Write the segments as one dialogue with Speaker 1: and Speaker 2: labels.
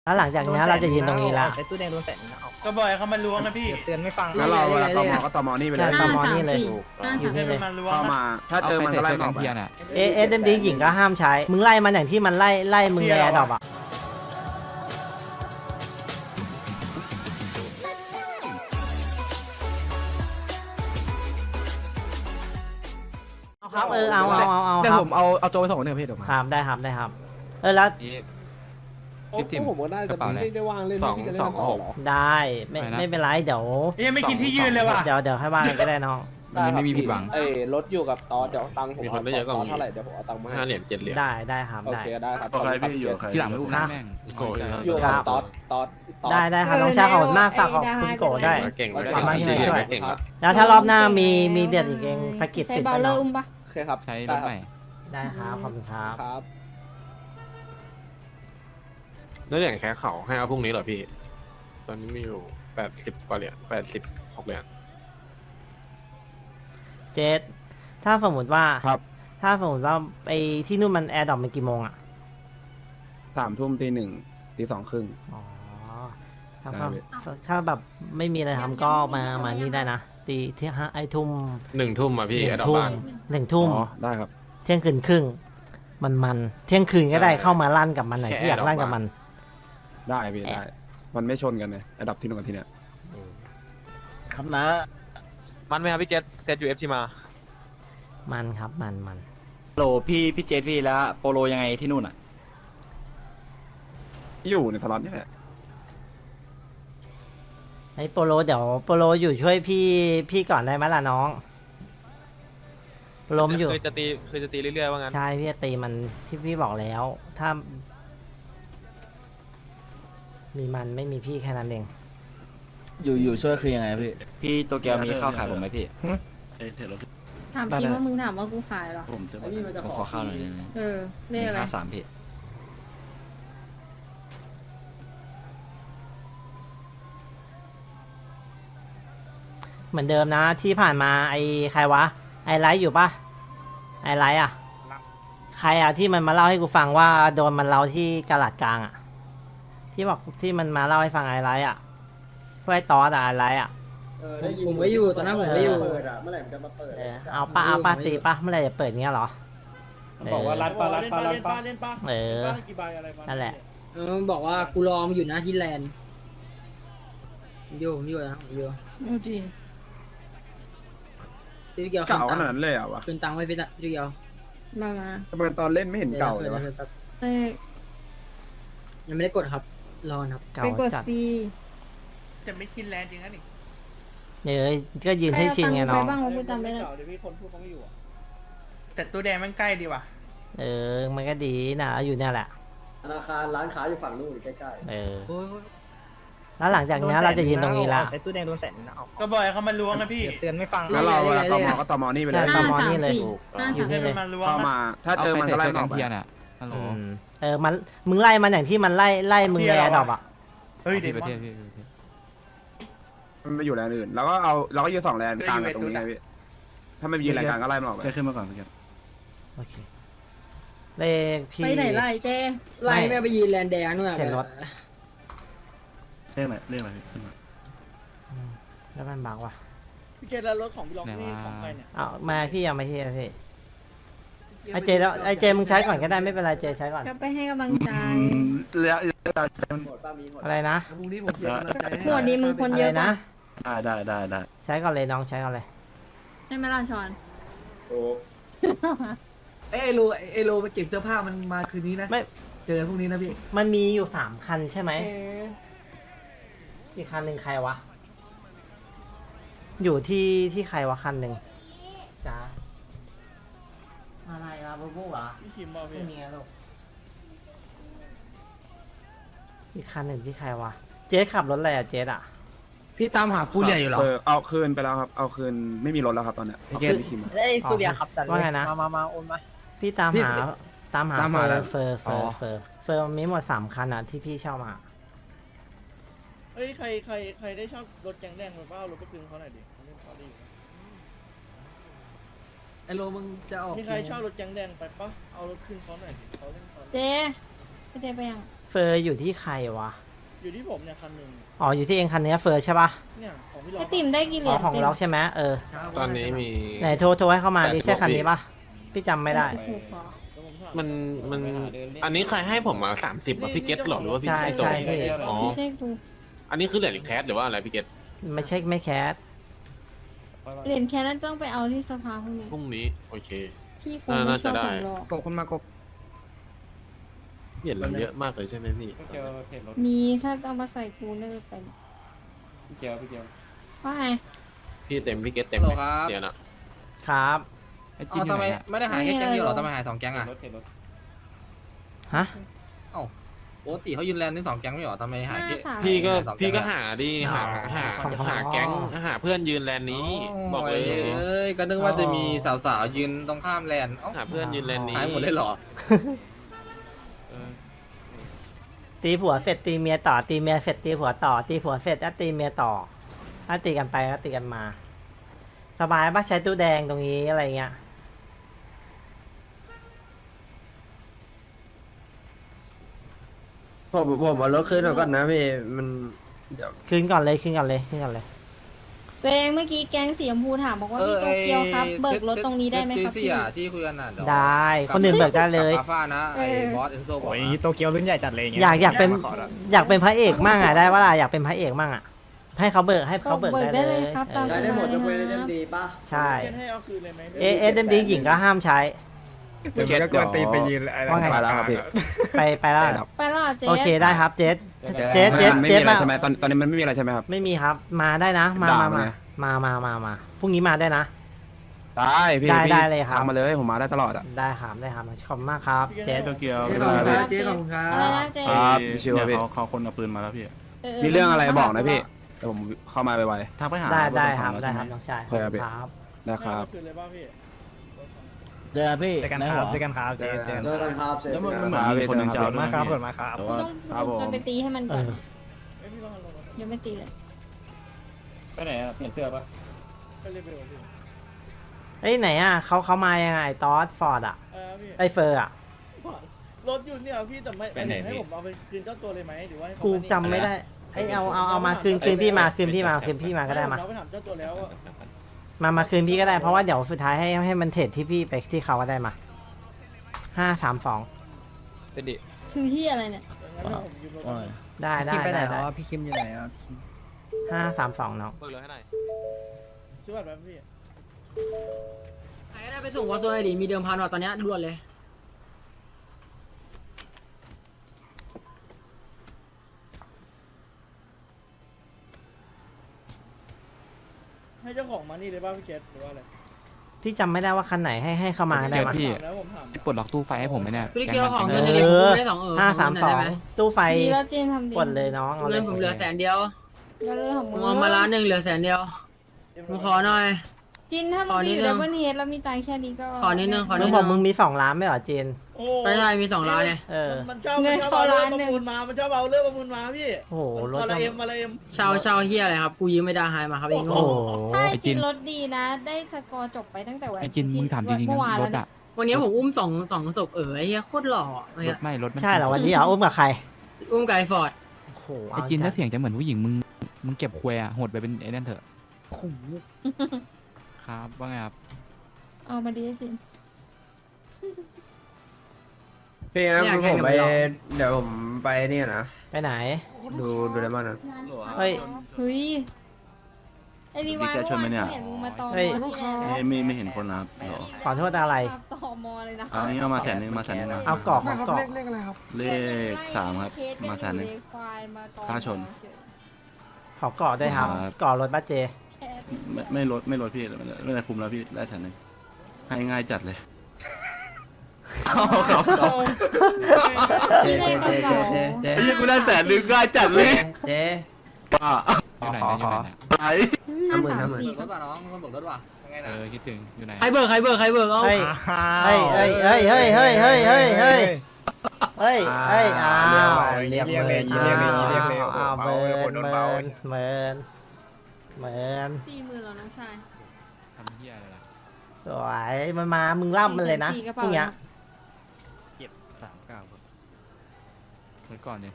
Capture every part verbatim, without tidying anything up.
Speaker 1: แล้วหลังจากนี้เราจะยืนตรงนี้ละ
Speaker 2: ใช้ตู้แดงโดนแสนนึงนะเอา
Speaker 3: ก็บ่อยเขามาล้วงนะพี่
Speaker 2: เดี๋ยวเตือนไม่ฟัง
Speaker 4: แล้วเราเวลาตมก็ตมนี่ไปเลย
Speaker 1: ใช่ตมนี่เลย
Speaker 3: อยู่ให้มันมาล้วง
Speaker 4: เข้า
Speaker 3: นะ
Speaker 4: มา ถ้าเจอมันก็ไล่มันออกไป
Speaker 1: เอเอสเอ็มดีหญิงก็ห้ามใช้ มึงไล่มันอย่างที่มันไล่ไล่มึงในแอร์ดรอปอ่ะเอาครับเออเอาเอาเอาเอา
Speaker 2: เดี๋ย
Speaker 1: คว รับ
Speaker 2: ผมเอาเอาโจไปส่งคนหนึ่งพี่เดี๋ยวมา
Speaker 1: ครับได้ครับได้ครับ เออแล้ว
Speaker 5: พี่ทิมผมก็ได้แต่ไม่ได้ว่างเล่น
Speaker 4: สองสองหก
Speaker 1: ได้ไม่ไม่เป็นไรเดี๋ยว
Speaker 3: ยังไม่กินที่ยืนเลยว่ะ
Speaker 1: เดี๋ยวเดี๋ยวให้ว่ากันก็ได้น้อง
Speaker 5: มันไม่มีผิดหวังเอ้รถอยู่กับตอนเดี๋ยวตังค์ผม
Speaker 6: มีคนได้เยอะกว่ามึง
Speaker 5: เท่าไหร่เดี๋ยวผมเอาตังค์มา
Speaker 6: ห้าเหรียญเจ็ดเหรียญ
Speaker 1: ได้ได้ครับ
Speaker 5: โอ
Speaker 1: ได้
Speaker 5: เคได้ครับ
Speaker 4: โอเคพี่อยู่ใคร
Speaker 2: ทีหลังไม่อุ้มหน้าแม่ง
Speaker 6: โอ้ย
Speaker 5: อยู่กับตอนตอน
Speaker 1: ได้ได้ครับน้องชายขอบคุณมากฝากขอบคุณโกได้
Speaker 6: เก่ง
Speaker 1: ขอบคุณมากที่มาช่วย
Speaker 6: เก่งละ
Speaker 1: แล้วถ้ารอบหน้ามีมีเดือดอีกเองภกิจ
Speaker 7: ใช้
Speaker 1: ติด
Speaker 7: เบา
Speaker 1: ไป
Speaker 7: เลอ
Speaker 1: เนาะ
Speaker 7: ร์อุ้มปะ
Speaker 5: โอเคครับ
Speaker 2: ใช้รถใหม่
Speaker 1: ได้ครับขอบคุณครับ
Speaker 5: ครับ
Speaker 6: แล้วอย่างแค่เขาให้เอาพรุ่งนี้เหรอพี่ ตอนนี้มีอยู่แปดสิบกว่าเหรียญแปดสิบหกเหรียญ
Speaker 1: เจสถ้าสมมติว่า
Speaker 4: ครับ
Speaker 1: ถ้าสมมติว่าไอ้ที่นู่นมันแอร์ดรอปมันกี่โมงอ่ะ
Speaker 4: สามทุ่มตีหนึ่งตีสองครึ่ง
Speaker 1: อ๋อถ้า
Speaker 4: ได้
Speaker 1: ก็
Speaker 4: พี่
Speaker 1: ถ้าแบบไม่มีอะไรทำก็มามานี่ได้นะตีที่ห้าไอ้ทุ่ม
Speaker 6: หนึ่งทุ่มอ่ะพี่
Speaker 1: ห
Speaker 6: แอ
Speaker 1: นึ่
Speaker 6: ด
Speaker 1: งทุ่ม
Speaker 6: บ้าน
Speaker 1: หนึ่งทุ่ม
Speaker 4: อ๋อได้ครับ
Speaker 1: เที่ยงคืนครึ่งมันมันเที่ยงคืนก็ได้
Speaker 6: ใช่
Speaker 1: เข้ามาลั่นกับมันหน่อย
Speaker 6: แค่
Speaker 1: ที่อยากลั่นกับ
Speaker 6: ดอก
Speaker 1: มัน
Speaker 4: ได้พี่ได้ มันไม่ชนกันเลยระดับที่นู่นกับที่เนี่ย
Speaker 2: ครับนะ
Speaker 8: มันไหมครับพี่เจษเซตยูเอฟทีมา
Speaker 1: มันครับมันมัน
Speaker 2: โหลพี่พี่เจสพี่แล้วโปโลยังไงที่นู่นอ่ะ
Speaker 4: อยู่ในสล็อตนี่แหละ
Speaker 1: ไอ้โปโลเดี๋ยวโปโลอยู่ช่วยพี่พี่ก่อนได้ไหมล่ะน้องโปโลมนอยู่
Speaker 8: คือจะตีคือจะตีเรื่อยๆว่างั้น
Speaker 1: ใช่พี่จะตีมันที่พี่บอกแล้ว ถ้า มีมันไม่มีพี่แค่นั้นเอง
Speaker 2: อยู่อยู่ช่วยคือยังไงพี่พี่โตเกียวมีข้าวขายผมไหมพี่
Speaker 7: ถามจริงว่ามึงถามว่ากูขายเหรอ
Speaker 2: ผมจะผมขอข้าวหน่อยได้ไหม
Speaker 7: เออเรียกอะไร
Speaker 2: ห้าสามพี่
Speaker 1: เหมือนเดิมนะที่ผ่านมาไอ้ใครวะ ไอ้ไลท์อยู่ปะไอ้ไลท์อ่ะ ใครอ่ะที่มันมาเล่าให้กูฟังว่าโดนมันเล่าที่กะหลัดกลางอ่ะ ที่บอกที่มันมาเล่าให้ฟังไอ้ไลท์อ่ะพวกไอ้ตอสอ่ะไอ้ไลท์อ่ะ
Speaker 7: ผมก็อยู่ตอนนั้นผมก็อยู่
Speaker 9: เปิดอ่ะเมื่อไหร่มันจะมาเปิด
Speaker 1: เออเอาปะเอาปะตีปะเมื่อไหรจะเปิดเงี้ยเหรอ
Speaker 2: บอกว่ารัดปลารัดปลารัดปลา
Speaker 3: เล่นปะ
Speaker 1: เออ
Speaker 3: กี่ใบอะไร
Speaker 1: นั่นแหละ
Speaker 7: เออบอกว่ากูรอมึงอยู่นะที่แลนด์อยู่อยู่นะอยู่ดีพี่เกียว
Speaker 4: เก่าขนาดนั้นเลยเหรอวะ
Speaker 7: คืนตังค์ไว้พี่ตะพี่เกียวมามา
Speaker 4: ทำไมตอนเล่นไม่เห็นเก่าเลยวะ
Speaker 7: เอ้ยยังไม่ได้กดครับรอครับ
Speaker 1: เก่า
Speaker 7: ไปกด
Speaker 1: จัด
Speaker 7: ฟรี
Speaker 3: จะไม่กินแลนจริงนะนี่
Speaker 1: เนี่ยก็ยืนให้ชินไงน้อง
Speaker 7: ใครเอาตัค์ไปบ้างวะกูจำไม่ได้
Speaker 2: เดี๋ยวพี่คนพูดเขาไม่อยู่อ่ะ
Speaker 3: แต่ตัวแดงมันใกล้ดีว่ะ
Speaker 1: เออ มันก็ดีนะอยู่เนี่ยแหละ
Speaker 9: ธนาคารร้านค้าอยู่ฝั่งนู้นใกล้
Speaker 1: เออ แล้วหลังจากนี้เราจะยืนตรงนี้ละ
Speaker 2: ใช้ตู้แดงโดนแสนนึงนะเอา
Speaker 3: ก็บ่อยเขามาล้วงนะพี่
Speaker 2: เดี๋ยวเตือนไม่ฟัง
Speaker 4: แล้วเราเวลาตมก็ตมนี่ไปเลย
Speaker 1: ใช่ ตมนี่เลย
Speaker 7: ห้า
Speaker 1: อยู่
Speaker 7: สาม
Speaker 1: นี่
Speaker 3: ให้
Speaker 1: เล
Speaker 3: มัน
Speaker 1: ย
Speaker 3: มาล้วง
Speaker 4: เข้า
Speaker 3: นะ
Speaker 4: มา ถ้าเจอมันก็ไล่มันออกไป
Speaker 1: อืมเออ มัน มึงไล่มันอย่างที่มันไล่ไล่มึงในแอร์ดรอปอ่ะ
Speaker 3: เฮ้ยเดี๋ยว
Speaker 4: มันไปอยู่แลนด์อื่น แล้วก็เอาเราก็ยืนสองแลนด์กลางกับตรงนี้ไงพี่ ถ้าไม่ยืนแลนด์กลางก็ไล่มันออกไป
Speaker 2: ขึ้นมาก่อนพี่
Speaker 1: โอเค เลขพี่
Speaker 7: ไปไหนไล่เจ้ไล่แม่ไปยืนแลนด์แดงนู่นอะ
Speaker 1: เห็นรถ
Speaker 2: เรื่องอะไรเรื่องอะไรขึ้นมา
Speaker 1: อืมแล้วมันบักว่ะ
Speaker 3: พี่เกดแล้วรถของพี่ล็อกนี่ของใครเนี่ย
Speaker 1: เอามาพี่เอามาที่พี่ไอเจแล้วไอเจมึงใช้ก่อนก็ได้ไม่เป็นไรเจใช้ก่อน
Speaker 7: ก็ไปให้กำลังใจ
Speaker 2: แล้ว
Speaker 9: ๆหมดป้ามีหมด
Speaker 1: อะไรนะ
Speaker 2: พรุ่งนี้ผมเขียน
Speaker 7: หมวดนี้มึงคน
Speaker 1: อะ
Speaker 7: เย
Speaker 1: ไร
Speaker 7: อะ
Speaker 1: นะ
Speaker 7: ปะ
Speaker 2: ได้ได้ได้ได้
Speaker 1: ใช้ก่อนเลยน้องใช้ก่อนเลย
Speaker 7: ใช่ไหมล่ะชอน
Speaker 9: โอ้
Speaker 2: เอ้ไอโลไอโลมันเก็บเสื้อผ้ามันมาคืนนี้นะ
Speaker 1: ไม่
Speaker 2: เจอพรุ่งนี้นะพี่
Speaker 1: มันมีอยู่สามคันใช่ไหม
Speaker 7: เออ
Speaker 1: อีกคันหนึ่งใครวะ อยู่ที่ที่ใครวะคันหนึ่งจ้าอะไรวะบูบูเหรอ
Speaker 3: พี่คิมบอก
Speaker 1: ไม่
Speaker 3: พี่
Speaker 1: มีอะลูกอีกคันหนึ่งที่ใครวะ เจ๊ขับรถอะไรอะเจ๊อะ
Speaker 2: พี่ตามหาฟูเรียอยู่เหรอ
Speaker 4: เเอาคืนไปแล้วครับ เอาคืนไม่มีรถแล้วครับตอนเนี้ยเอาคืนพี่คิมอะ
Speaker 2: ไอ้ฟูเรียขับตัด
Speaker 1: ว่าไงนะ
Speaker 2: มามามาโอนมา
Speaker 1: พี่ตาม
Speaker 2: พี่
Speaker 1: หาตามหา
Speaker 2: ตาม
Speaker 1: เฟ
Speaker 2: หา
Speaker 1: อ
Speaker 2: แล้ว
Speaker 1: ร์เฟอร์เฟอ
Speaker 2: อ๋
Speaker 1: ร์
Speaker 2: อ
Speaker 1: เฟอร์เฟอร์มันมีหมดสามคันอะที่พี่เช่ามา
Speaker 3: เฮ้ยใครใครใครได้ชอบรถแกงแดงหรือเปล่ารถก็คืนเขาหน่อยดิเขาเล่นเขาดีอยู่
Speaker 2: ไอโลมึงจะออก
Speaker 3: มีใครชอบรถแกงแดงไปปะเอารถคืนเขาหน่อยดิเขาเล่นเขาดี
Speaker 7: เจ้
Speaker 10: พี่เจไปยัง
Speaker 1: เฟอร์อยู่ที่ใครวะ
Speaker 3: อยู่ที่ผมเนี่ยคันหนึ่ง
Speaker 1: อ๋ออยู่ที่เองคันเนี้ยเฟอร์ใช่ปะ
Speaker 3: เนี่ยของพี่ล็อ
Speaker 10: ไอก
Speaker 3: อะ
Speaker 10: ติมได้กี่เหรี
Speaker 1: อ๋อย
Speaker 10: ญ
Speaker 1: ของ
Speaker 10: เต็ม
Speaker 1: ล็อกใช่ไหมเออ
Speaker 6: ตอนนี้มี
Speaker 1: ไหนโทรโทรให้เข้ามาดิ
Speaker 6: แปดสิบ
Speaker 1: ใช่คัน
Speaker 6: หก
Speaker 1: นี้ปะพี่จำไม่ได้
Speaker 10: สิบหกเหรอ
Speaker 3: เดี๋ยวผมถาม
Speaker 6: มันมันอันนี้ใครให้ผมมาสามสิบอ่ะพี่เกตหรอหรือว่าพี่
Speaker 1: ใช่
Speaker 6: ส่ง
Speaker 1: ใช่พี่
Speaker 6: อ๋อ
Speaker 10: ไม่ใช่กู
Speaker 6: อันนี้คือเหรียญแคสหรือว่าอะไรพี่เกต
Speaker 1: ไม่ใช่ไม่แคส
Speaker 10: เหรียญแค่นั้นต้องไปเอาที่สภาพรุ่งนี้
Speaker 6: พรุ่งนี้โอเค
Speaker 10: พี่คงไม่ชอบผมหรอก
Speaker 4: กบคนมากบ
Speaker 6: เหรียญเราเยอะมากเลยใช่ไหมพี่
Speaker 10: มีถ้าเอามาใส่กูเลิกไปว่าไง
Speaker 6: พี่เต็มพี่เกตเต็มเลยเดี๋ยวนะครับ
Speaker 7: อ๋อทำไมไม่ได้หายแค่แก๊งเดียวหรอทำไมหายสองแก๊งอ่ะ
Speaker 1: ฮะ
Speaker 7: ปกติเขายืนแลนด์ที่สองแก๊งไม่หรอทำไมหายแค่
Speaker 10: หน้าสาม
Speaker 6: พี่ก็
Speaker 7: สองแก๊ง
Speaker 6: พี่ก็หาดิหาหา
Speaker 1: อ๋อ
Speaker 6: หาแก๊งหาเพื่อนยืนแลนด์นี้ บอกเลย
Speaker 7: เอ้ยก็นึกว่าจะมีสาวๆยืนตรงข้ามแลนด์เอ้า
Speaker 6: หาเพื่อนยืนแลนด์นี้
Speaker 7: หายหมดเลยเหรอ
Speaker 1: ตีผัวเสร็จตีเมียต่อตีเมียเสร็จตีผัวต่อตีผัวเสร็จแล้วตีเมียต่อถ้าตีกันไปก็ตีกันมาสบายปะใช้ตู้แดงตรงนี้อะไรเงี้ย
Speaker 5: ผมผมเอารถคืนก่อนนะพี่มันเดี๋ยว
Speaker 1: คืนก่อนเลยคืนก่อนเลยคืนก่อนเลย
Speaker 10: ตัวเองเมื่อกี้แก๊งสีชมพูถามบอกว่าพี่โตเกียวครับเบิกรถตรงนี้ได้ไหมครับ
Speaker 7: ที่
Speaker 10: พี่
Speaker 7: อ่ะที่คุยกันอ่ะเยว
Speaker 1: ได้คนอื่นเบิกได้เลย
Speaker 7: กับอาฟ้านะไอ้
Speaker 10: เออ
Speaker 7: บอสเอนโซบอก
Speaker 4: โอ้ย
Speaker 7: นะ
Speaker 4: โตเกียวรุ่นใหญ่จัดเลย
Speaker 1: อยากอยากเป็นอยากเป็นพระเอกมั่งอ่ะได้ว่าล่ะอยากเป็นพระเอกมั่งอ่ะให้เขาเบิกให้เขาเบิก
Speaker 10: เบิก
Speaker 1: ได้
Speaker 10: ได้
Speaker 1: เล
Speaker 10: เลย ยครับตาม
Speaker 9: ใช้
Speaker 10: ส
Speaker 9: ได้หม
Speaker 10: บา
Speaker 9: ด
Speaker 10: ย
Speaker 9: ยกเว้น
Speaker 10: นะ
Speaker 9: เอ็
Speaker 10: ค
Speaker 9: ม
Speaker 10: รับ
Speaker 9: ดีป่ะ
Speaker 1: ใช่
Speaker 3: เกตให้เอาคืนเลยไหม
Speaker 1: เอเอสเอ็มดีหญิงก็ห้ามใช้
Speaker 4: พี่เกตกวนตีนไปยืนอะไร
Speaker 1: ว่าไง
Speaker 4: มาแล้วครับพี่
Speaker 1: ไปไปแล้ว
Speaker 10: ไปแล้วเหรอเจ๊
Speaker 1: โอเคได้ครับเจส เจ๊
Speaker 4: ไม่
Speaker 1: เจ๊
Speaker 4: ไม่
Speaker 1: เจ๊
Speaker 4: มีอะไร
Speaker 1: มา
Speaker 4: ใช่ไหมตอนตอนนี้มันไม่มีอะไรใช่ไหมครับ
Speaker 1: ไม่มีครับมาได้นะ มา
Speaker 4: ด่า
Speaker 1: มา
Speaker 4: มัน
Speaker 1: มา
Speaker 4: ไง
Speaker 1: มามามามาพรุ่งนี้มาได้นะ
Speaker 4: ได้พี่
Speaker 1: ได้
Speaker 4: พี่
Speaker 1: ได้เลยครับ
Speaker 4: ทำมาเลยผมมาได้ตลอดอ่ะ
Speaker 1: ได้ครับได้ครับขอบคุณมากครับเจส
Speaker 8: โตเกียว
Speaker 2: เจ๊ขอบคุณครับเจ๊ขอบคุณครั
Speaker 10: อะไร
Speaker 2: บ
Speaker 10: นะเจ๊
Speaker 4: ครับชิว
Speaker 8: เนี่ย
Speaker 4: พี่
Speaker 8: เขาเขาคนเอาปืนมาแล้วพี่
Speaker 4: มีเรื่องอะไรบอกนะพี่เดี๋ยวผมเข้ามาไว
Speaker 8: ทักไปหา
Speaker 1: ได้ได้
Speaker 8: เอ
Speaker 1: ครับ
Speaker 8: ของ
Speaker 1: ได้
Speaker 8: แล้ว
Speaker 1: ครับ
Speaker 8: ใช่หม
Speaker 1: น้องชาย
Speaker 4: โอเคครับพี่
Speaker 1: ครับ
Speaker 4: ๆนะครับ
Speaker 3: เอาคืนเลยป่ะพี่
Speaker 8: เจอพี่
Speaker 4: เจอกันครับเจอกันครับเจอกัน
Speaker 9: เจอกันครับเสร็จ
Speaker 8: แล้วมัน
Speaker 9: ค
Speaker 8: เหมื
Speaker 9: รั
Speaker 8: อบ นมีคนหนึ่งจะเอาด้วย
Speaker 4: มาครับ
Speaker 8: พี่
Speaker 4: มาครับ
Speaker 8: แต่
Speaker 10: กู
Speaker 8: ว่า
Speaker 10: ต้อง
Speaker 4: ครับผม
Speaker 10: จนไปตีให้มัน
Speaker 1: เอ
Speaker 10: ก่อน
Speaker 1: อ
Speaker 3: เอ้ยพี่ต้องลงมา
Speaker 10: เดี๋ยวไม่ตีเลย
Speaker 8: ไปไหนอะเปลี่ยนเสื้อปะ
Speaker 3: ไปเรียบร้อยพี่
Speaker 1: เอ้ยไหนอ่ะเขาเขามายังไงตอสฟอร์ดอ่ะ
Speaker 3: เออพี่
Speaker 1: ไอเฟอร์อ่ะ
Speaker 3: รถอยู่เนี่ยพี่แต่ไม่
Speaker 8: ไปไหน
Speaker 3: ให้
Speaker 8: พี่
Speaker 3: ผมเอาไปคืนเจ้าตัวเลยไหมหรือว่าให้เขา
Speaker 1: กู
Speaker 3: มานี่
Speaker 1: จำไม่ได้ไอยเอาเอาเอามาคืนคืนพี่มาคืนพี่มาคืนพี่มาก็ได้มา
Speaker 3: เราไปถามเจ้าตัวแล้วว่า
Speaker 1: มามาคืนพี่ก็ได้เพราะว่าเดี๋ยวสุดท้ายให้ให้มันเทรดที่พี่ไปที่เขาก็ได้มาห้าสามสอง
Speaker 8: เป็นดิ
Speaker 10: คือที่อะไรเนี่ย
Speaker 3: งั้นเดี๋ยวผมยืมรถ
Speaker 8: ว่า
Speaker 1: ได้ได้ได้ได้
Speaker 2: พี่คิมอยู่ไหนอ่ะ
Speaker 1: ห้าสามสองน้อง
Speaker 8: เบิกเลยให้หน่อย
Speaker 3: ซื้อบัตรไหมพี่
Speaker 7: ใครก็ได้ไปส่งวอตัวไหนดิมีเดิมพันว่ะตอนเนี้ยด่วนเลย
Speaker 3: ให้เจ้าของมานี่เลยป่ะพี่เกตหรือว่าอะไร
Speaker 1: พี่จำไม่ได้ว่าคันไหนให้ให้เข้ามาได้มา
Speaker 3: ถามแล้วผมถาม
Speaker 8: ปลดล็อกตู้ไฟให้ผมไหมเนี่ย
Speaker 7: พี่เกียวของ
Speaker 1: เอ
Speaker 7: เงินในเหรียญ
Speaker 1: อ
Speaker 7: ผมได้สองเออ
Speaker 1: ห้าสามสอง
Speaker 7: ได้ไหม
Speaker 1: ตู้ไฟ
Speaker 10: ดีแล้วเจนทำดี
Speaker 1: กดเลยน้องเอาเล
Speaker 7: เงิ
Speaker 1: ย
Speaker 7: นผมเหลือแสนเดียว
Speaker 10: เดี๋ยวเรื่องของ
Speaker 7: ผ
Speaker 10: มึ
Speaker 7: ม
Speaker 10: ง
Speaker 7: เอามาล้านหนึ่งเหลือแสนเดียวผมขอหน่อย
Speaker 10: จินถ้ามึ
Speaker 7: ของ
Speaker 10: ไป
Speaker 7: นิ
Speaker 10: อ
Speaker 7: ด
Speaker 10: ยู่
Speaker 7: นึ
Speaker 10: ดั
Speaker 7: ง
Speaker 10: บเบิลเฮดแล้วมีตังค์แค่นี้ก็
Speaker 7: ขอนิดนึงขอ
Speaker 1: มึ
Speaker 7: นิ
Speaker 1: ง
Speaker 7: ด
Speaker 1: บอกมึงมีสองล้านไม่เหรอเจน
Speaker 3: โอ้
Speaker 7: ไม่ใช่มีสองล้านเนี่ย
Speaker 1: เออ
Speaker 3: มันชอบมันชอบเอาเรื่องประมูลมา มันชอบเอาเรื่องประมูลมาพี่
Speaker 1: โอ้โหรถ
Speaker 3: มา
Speaker 1: ก็
Speaker 3: ละเอ็มมาละเอ็ม
Speaker 7: เช่าเช่าเฮียอะไรครับกูยืมไม่ได้หายมาครับเอง
Speaker 1: โอ้โห
Speaker 10: ถ้าไอ้จินรถดีนะ ได้สกอร์จบไปตั้งแต่วัน
Speaker 8: ไอจินมึงถามจริงๆ
Speaker 10: เมื่
Speaker 8: นะ
Speaker 10: อวาน
Speaker 8: ร
Speaker 10: แล้ว
Speaker 8: ถ
Speaker 10: เนี่ย
Speaker 8: อะ
Speaker 7: วันนี้ผมอุ้มสองสองศพเออไอ้เฮียโคตรหล่อไอ้
Speaker 8: ร
Speaker 7: เหี้
Speaker 8: ถ
Speaker 7: ย
Speaker 8: ไม่รถมัน
Speaker 1: ใช่เหรอวันนี้เหรออุ้มกับใคร
Speaker 7: อุ้มไกฟอร์ด
Speaker 1: โอ้โห
Speaker 8: ไอจินถ้าเสียงจะเหมือนผู้หญิงมึงมึงเก็บควยอะโหดไปเป็นไอ้นั่นเถอะครับว่าไงครับ
Speaker 10: เอามาดีไอ้จิน
Speaker 5: พี่งั้นผมไปเดี๋ยวผมไปเนี่ยนะ
Speaker 1: ไปไหน
Speaker 5: ดูดูได้บ้างนะ
Speaker 1: เฮ้ย
Speaker 10: เฮ้ยไอ้รีวายเมื่อวานกูเห็นมึงมาตอม
Speaker 1: เฮ้ย
Speaker 10: อที่แอร์
Speaker 8: ไม่ไม่เห็นคนนะครับ
Speaker 1: ขอโทษอะไร
Speaker 10: ตอมอเลยนะ
Speaker 8: อันนี้เอามาแสนนึงมาแสนนึงนะ
Speaker 1: เอากรอบเอากรอบ
Speaker 8: เลขสามครับมาแสนนึง ค่าชน
Speaker 1: ขอกรอบด้วยครับ
Speaker 8: ครับ
Speaker 1: กรอบรถบัสเจ
Speaker 8: ไม่ไม่ลดไม่ลดพี่ไม่ได้คุมแล้วพี่ได้แสนนึงให้ง่ายจัดเลย
Speaker 5: เจ๊เจ๊เจ๊เจ๊เจ๊เจ๊
Speaker 8: ไอ้ยี่กูได้แสนนึงง่ายจัดเลย
Speaker 5: เจ๊
Speaker 8: ป้า
Speaker 5: ขอขอขอ
Speaker 8: ไอ้
Speaker 10: ห้า
Speaker 5: ห้าหมื่น
Speaker 10: สาม
Speaker 5: ห้าหมื่น
Speaker 10: สี่
Speaker 7: รถว่ะน้องคนบอกรถว่ะยังไง
Speaker 8: เอ
Speaker 7: นะ
Speaker 8: อคิดถึงอยู่ไหน
Speaker 7: ใครเบิกใครเบิกใครเบิกเอา
Speaker 1: เฮ้ยเฮ้ยเฮ้ยเฮ้ยเฮ้ยเฮ้ยเฮ้ยเฮ้ยเฮ้ยเฮ้ยเฮ้ยอ้าว
Speaker 5: เรียก
Speaker 4: เรียก
Speaker 5: เล
Speaker 4: เลย ยเรียกเลยเรียกเลย
Speaker 1: อ้าวเมิน
Speaker 4: โดน
Speaker 1: เมิ
Speaker 4: เบา
Speaker 1: นเมินเมิน
Speaker 10: สี่หมื่นเหรอน้องชาย
Speaker 8: ทำเหี้ยอะไรล่ะ
Speaker 1: สวยมันมามึงล่ำมันเลยนะ
Speaker 10: สี่กระ
Speaker 1: พ
Speaker 10: เป๋า
Speaker 1: รุ่งเนี้ย
Speaker 4: เก็บสามเก้าครับ
Speaker 8: ไว้ก่อนดิ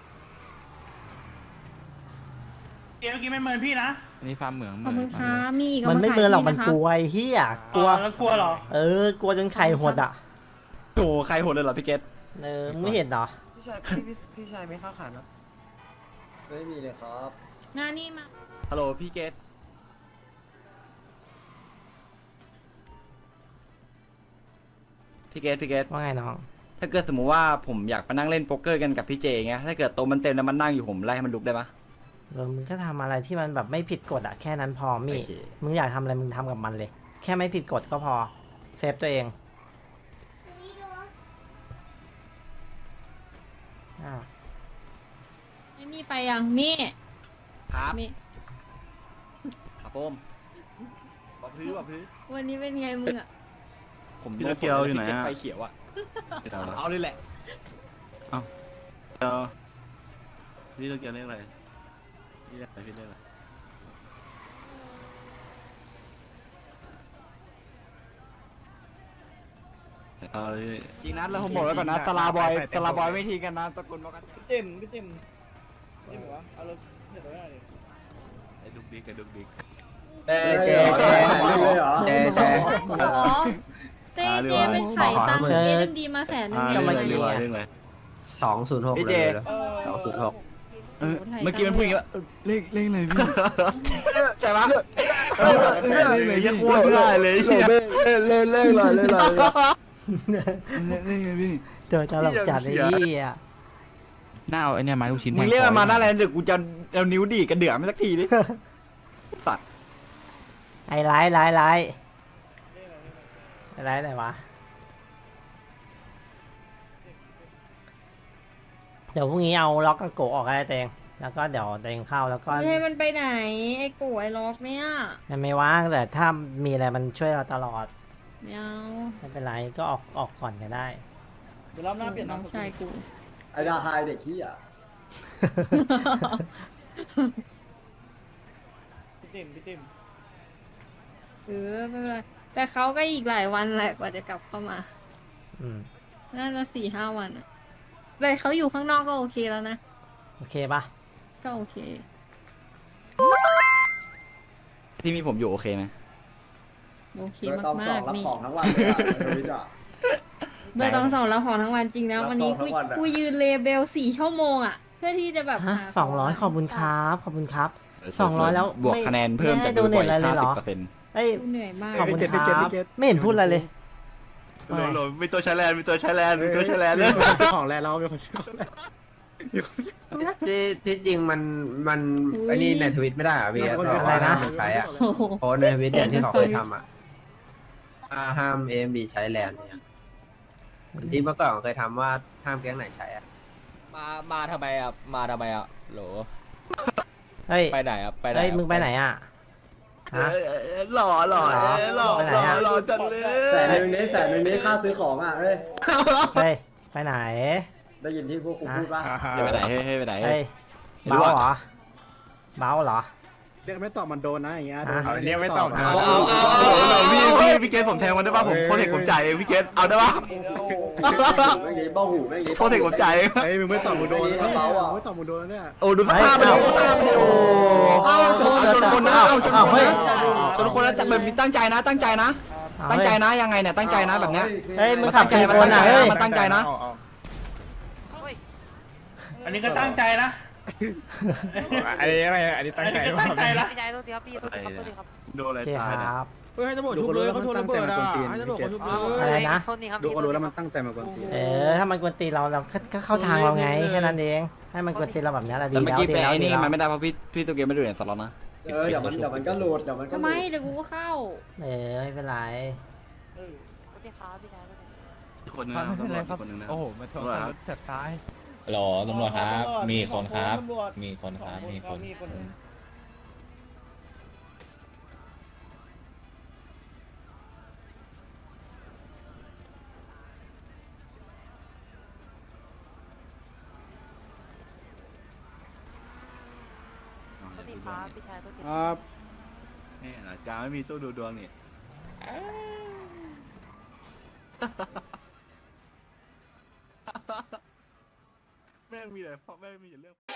Speaker 5: เกมเมื่อกี้ไม่เหมือนพี่นะ
Speaker 8: อันนี้ฟาร์มเหมือง
Speaker 10: ขอบคุณค่ะมีอีก
Speaker 1: มันไม่
Speaker 10: า
Speaker 1: เมินหรอก
Speaker 10: ขาย
Speaker 1: มัน
Speaker 10: ที่ะ
Speaker 1: กลัวไอ้เหี้ยกลัว
Speaker 5: แล้วกลัวเหรอ
Speaker 1: เออกลัวจนไข่หดอ่ะ
Speaker 8: โอ้ใครโหดเลยเหรอพี่เกต
Speaker 1: เออมึงไม่เห็นเหรอ
Speaker 9: พี่ชายพี่พี่ชายไม่เข้าขานนะไม่มีเลยครับ
Speaker 10: งานนี่มา
Speaker 8: ฮัลโหลพี่เกตพี่เกตพี่เกต
Speaker 1: ว่าไงน้อง
Speaker 8: ถ้าเกิดสมมุติว่าผมอยากมานั่งเล่นโป๊กเกอร์กันกับพี่เจไงถ้าเกิดโต๊ะมันเต็มแล้วมันนั่งอยู่ผมไล่ให้มันลุกได้ปะ
Speaker 1: เออมึงก็ทำอะไรที่มันแบบไม่ผิดกฎอะแค่นั้นพอมี่
Speaker 8: โอเค
Speaker 1: มึงอยากทำอะไรมึงทำกับมันเลย แค่ไม่ผิดกฎก็พอเซฟตัวเองอ้าว
Speaker 10: ไม่มีไปยังมี่
Speaker 8: ครับ
Speaker 10: มี่
Speaker 8: ครับผมบอกพื้นบอกพื้น
Speaker 10: วันนี้เป็นไงมึงอะ
Speaker 8: ผม
Speaker 11: พี่โตเกียวอยู่ไหนอะ
Speaker 8: ไฟเขียวอะ
Speaker 11: ไม่เอาละ
Speaker 8: เอาเลยแหละ
Speaker 11: เดี๋ยวพี่โตเกียวเรียกอะไรพี่เรียกอะไรพี่เรียกอะไรเอาเลย
Speaker 8: จริงนะแล้วผมบอกไว้ก่อนนะสลาบอยสลาบอยไม่ทีกันนะตะกุนบอกกัน
Speaker 3: พี่เต็มพี่เต็มเต็มเหรอวะเอารถเดี๋ยวไว้หน่อยดิ
Speaker 11: ไอ้ดุกดิกไอ้ดุกดิก
Speaker 9: เจ๊เจ๊เจ๊เลยเหรอเจ๊เจ๊
Speaker 10: หรอเต้เจเป็นไข่ตังค์เอ็มดีมาแสนหนึง
Speaker 11: อ่า
Speaker 10: เดี
Speaker 11: เรื่
Speaker 10: ย
Speaker 11: อ
Speaker 10: ว
Speaker 11: งอะไร
Speaker 10: ไง
Speaker 11: เรื่องอะไรเรื่องอะไร
Speaker 9: สองศูนย์หก
Speaker 8: พี่
Speaker 9: เล
Speaker 8: เจ
Speaker 9: ย
Speaker 3: เออ
Speaker 9: สองศูนย์หก
Speaker 11: เออเมื่อกี้มันพูดอย่างนี้ว่าเออเลขเลขอะไรพี่
Speaker 8: ใช่ปะ
Speaker 11: เออเลขอะไรยังอ้วนไม่ได้เลยเชี่ย
Speaker 5: เล่นเล่นเลยเล่นเลย
Speaker 11: เลขเลขอะไรพี่
Speaker 1: เจอตลกจัดไอ้เหี้ย
Speaker 8: น่าเอาไอเนี่ยไม้ลูกชิ้นมึงเรียกมันมาหน้าอะไรเดี๋ยวกูจะเอานิ้วดีดกระเดื่อมไม่สักทีดิสัตว์
Speaker 1: ไอ้ไลท์ไลท์ไลท์ไอ้ไลท์ไหนวะเดี๋ยวพรุ่งนี้เอาล็อกกระโกะออกให้เตงแล้วก็เดี๋ยวเตงเข้าแล้วก็
Speaker 10: ไม่ให้มันไปไหนไอ้กูไอ้ล็อกเนี่ย
Speaker 1: มันไม่ว่างแต่ถ้ามีอะไรมันช่วยเราตลอด
Speaker 10: ไม่เอา
Speaker 1: ไม่เป็นไรก็ออกออกก่อนก็ได้
Speaker 3: เดี๋ยวรอบหน้าเปลี่ยน
Speaker 10: น้องชายกู
Speaker 9: ไอ้ดาไฮเด็กขี้อ่ะ
Speaker 3: พี่เต็มพี่เต็ม
Speaker 10: เออไม่เป็นไรแต่เขาก็อีกหลายวันแหละกว่าจะกลับเข้ามา
Speaker 1: อืม
Speaker 10: น่าจะสี่ห้าวันอะแต่เขาอยู่ข้างนอกก็โอเคแล้วนะ
Speaker 1: โอเคปะ
Speaker 10: ก็โอเค
Speaker 8: ที่มีผมอยู่โอเคไหม
Speaker 10: โอเค
Speaker 9: เบอร์ตอง
Speaker 10: มา
Speaker 9: สอง
Speaker 10: ก
Speaker 9: รับ
Speaker 10: ๆนี่
Speaker 9: ของทั้งวันเลยอ่ะทวิตอ่ะ
Speaker 10: เบอร์ตองสองแล้วของทั้งวันจริงนะ
Speaker 9: รับ
Speaker 10: วันนี้
Speaker 9: ของ
Speaker 10: กู
Speaker 9: ทั้งวันอะ
Speaker 10: กูยืนเลเบลสี่ชั่วโมงอะเพื่อที่จะแบบ
Speaker 1: ฮะ
Speaker 10: หา
Speaker 1: สองร้อยขอบคุณครับขอบคุณครับ สองร้อยแล้ว
Speaker 8: บวก
Speaker 1: ไม่
Speaker 8: คะแนนเพิ่ม
Speaker 1: ไม่
Speaker 8: จาก
Speaker 1: ให้
Speaker 8: ดูบ่อย
Speaker 1: donate อะไรเลยเหร
Speaker 8: ห้า
Speaker 1: อ
Speaker 8: สิบเปอร์เซ็นต์
Speaker 1: เอ้ย
Speaker 10: กูเหนื่อยมาก
Speaker 1: ขอบคุณครับไม่เห็นพูดอะไรเลย
Speaker 11: โหลโหลมีตัวใช้แลนด์มีตัวใช้แลนด์มีตัวใช้แลนด์เลย
Speaker 5: ของแรกเราเป็นคนชื่อของแรก
Speaker 9: ที่ที่จริงมันมันไอ้นี่ในทวิตไม่ได้อ่ะพี่
Speaker 1: อะไรนะ
Speaker 9: ใช้อ่ะ
Speaker 10: โอ้โห
Speaker 9: โพสในทวิตอย่างที่เขาเคยทำอ่ะห้ามเอ็มบีใช้แลนด์เนี่ยที่เมื่อก่อนเคยทำว่าห้ามแก๊งไหนใช้อ่ะ
Speaker 7: มา มาทำไมอ่ะ มาทำไมอ่ะโหล
Speaker 1: เฮ้ย
Speaker 7: ไปไหนอ่ะ ไปไหน
Speaker 1: เฮ้ยมึงไปไหนอ่ะฮะ
Speaker 11: หล่อหล่อหล่อ
Speaker 1: ไปไหน
Speaker 11: หล่อ
Speaker 1: อะ
Speaker 11: หล่อจังเล
Speaker 9: แสน
Speaker 11: ย
Speaker 9: หนึ่งนี้แสนหนึ่งนี้ค่าซื้อของอ่ะเอ้ย
Speaker 1: เฮ้ยไปไหน
Speaker 9: ได้ยินที่พวกกูพูดป่ะ
Speaker 8: ให้ไปไหนให้ให้ไปไหน
Speaker 1: เฮ้ย
Speaker 8: ไม่รู้
Speaker 1: เบา
Speaker 8: อะ
Speaker 1: เหรอเบาเหรอ
Speaker 5: เรียกไม่ตอบมันโดนนะอย่างเงี้ย
Speaker 1: อ่ะ
Speaker 5: เรียกไม่ตอบนะ
Speaker 9: เอาเอาเอา
Speaker 11: เอาเอาพี่พี่พี่เกตผมแทงมันได้ป่ะผมโปรเทคผมจ่ายเองพี่เกตเอาได้ป่ะ
Speaker 9: แม่งนี้บ้าหูแม่งนี้
Speaker 11: โปรเทคผมจ่ายเอง
Speaker 5: เฮ้ยมึงไม่ตอบมึงโดน
Speaker 9: กระเป๋าอ่ะ
Speaker 5: ไม่ตอบมึงโดนเนี่ย
Speaker 8: โอ้ดูสภาพมันดิดูสภาพมันดิโอ้
Speaker 9: เอาชน
Speaker 8: เอาชนคนนะเอาชน
Speaker 1: เอา
Speaker 8: คน
Speaker 1: เฮ้ย
Speaker 8: นะชนคนนะแต่แบบมีตั้งใจนะ ตั้งใจนะ
Speaker 1: เอา
Speaker 8: ตั้งใจ
Speaker 1: เฮ้ย
Speaker 8: นะยังไงเนี่ยตั้งใจนะแบบเนี้ย
Speaker 1: เฮ้ยมึง
Speaker 8: มัน
Speaker 1: ขั
Speaker 8: ตั้
Speaker 1: บ
Speaker 8: งใจ
Speaker 1: กี่
Speaker 8: มัน
Speaker 1: คน
Speaker 8: ตั้งใจ
Speaker 1: อ่ะเฮ้ย
Speaker 8: มันตั้งใจนะ
Speaker 5: อันนี้ก็ตั้งใจนะ
Speaker 6: อันนี้อะไรอันนี้ตั้งใจ
Speaker 5: ตั้งใจละ
Speaker 11: โดนอะไร
Speaker 1: โอเค
Speaker 11: ตาย
Speaker 1: ค
Speaker 11: เนี่ย
Speaker 1: รับ
Speaker 3: เฮ้ยให้ตำรวจชุบเลยเขาชนระเบิดอ่ะให้ตำรวจเขาชุบเลย
Speaker 1: อะไรนะ
Speaker 5: ดูก็รู้แล้วมันตั้งใจมากกว่าตี
Speaker 1: เออถ้ามันกวนตีนเราเราก็ก็เข้าทางเราไงแค่นั้นเองให้มันกวนตีนเราแบบนี้แหละดี
Speaker 8: แต่เมื่อ
Speaker 1: แล้ว
Speaker 8: กี้
Speaker 1: ดี
Speaker 8: ไป
Speaker 1: แล้ว
Speaker 8: ไอ้
Speaker 1: ดี
Speaker 8: นี่
Speaker 1: แล้ว
Speaker 8: มันไม่ได้เพราะพี่พี่ตัวเกมไม่ดูเนี่ยสล็อตนะ
Speaker 9: เออเดี๋ยวมันเดี๋ยวมันก็หลุดเดี๋ยวมันก็
Speaker 10: ทำ
Speaker 9: ห
Speaker 10: ไม
Speaker 9: ลุด
Speaker 10: เดี๋ยวกูก็เข้า
Speaker 1: เออไม่เป็นไร
Speaker 11: อีกคนนึงนะตำรวจอีกคนนึงนะ
Speaker 6: โอ้โหมาท
Speaker 11: ตำรวจครับ
Speaker 6: เสร็จตาย
Speaker 3: หรอตำรวจครับ มีคนครับ
Speaker 6: มีคนครับมีคน
Speaker 3: มีคน
Speaker 5: ครับ
Speaker 11: นี่นะจาไม่มีตู้ดูดวงนี่
Speaker 6: แม่ง
Speaker 11: มีแต่เพราะแม่งมีแต่เรื่อง